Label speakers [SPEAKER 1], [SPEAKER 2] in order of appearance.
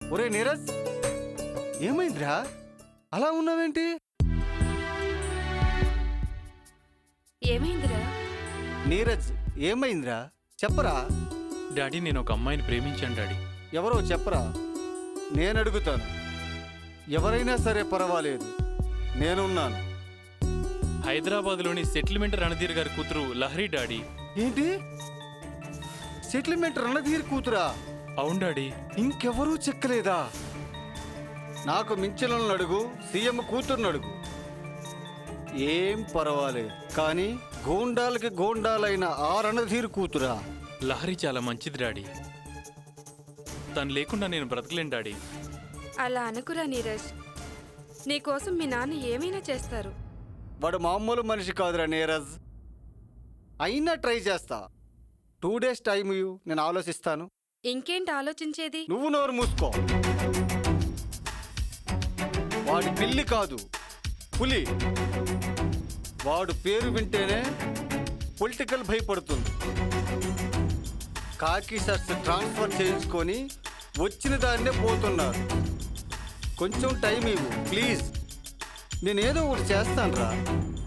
[SPEAKER 1] ఒరే నీరజ్, ఏమైందిరా అలా ఉన్నావేంటి?
[SPEAKER 2] ఏమైందిరా?
[SPEAKER 1] నీరజ్ ఏమైందిరా చెప్పరా?
[SPEAKER 3] డాడీ నేను ఒక అమ్మాయిని ప్రేమించాను డాడీ.
[SPEAKER 1] ఎవరో చెప్పరా, నేను అడుగుతాను. ఎవరైనా సరే పర్వాలేదు, నేనున్నాను.
[SPEAKER 3] హైదరాబాద్లోని సెటిల్మెంట్ రణధీర్ గారి కూతురు లహరి డాడీ.
[SPEAKER 1] ఏంటి, సెటిల్మెంట్ రణధీర్ కూతురా?
[SPEAKER 3] అవును డాడీ.
[SPEAKER 1] ఇంకెవరూ చెక్కలేదా? నాకు మించిలను అడుగు, సీఎం కూతుర్ని అడుగు, ఏం పర్వాలేదు. కానీ గోండాలకి గోండాలైన ఆ రణధీర్ కూతురా?
[SPEAKER 3] లహరి చాలా మంచిది డాడీ. తను లేకుండా నేను బ్రతకలేను డాడీ.
[SPEAKER 2] అలా అనుకురా నీరజ్, నీకోసం మీ నాన్న ఏమైనా చేస్తారు.
[SPEAKER 1] వాడు మామూలు మనిషి కాదురా నీరజ్. అయినా ట్రై చేస్తా. 2 days టైం ఇవ్వు, నేను ఆలోచిస్తాను.
[SPEAKER 2] ఇంకేంటి ఆలోచించేది?
[SPEAKER 1] నువ్వు నోరు మూసుకో. వాడి పిల్లి కాదు, పులి. వాడు పేరు వింటేనే పొలిటికల్ భయపడుతుంది. కాకి షర్ట్స్ ట్రాన్స్ఫర్ చేయించుకొని వచ్చిన దాన్నే పోతున్నారు. కొంచెం టైం ఇవ్వు ప్లీజ్, నేనేదో ఒకటి చేస్తాను రా.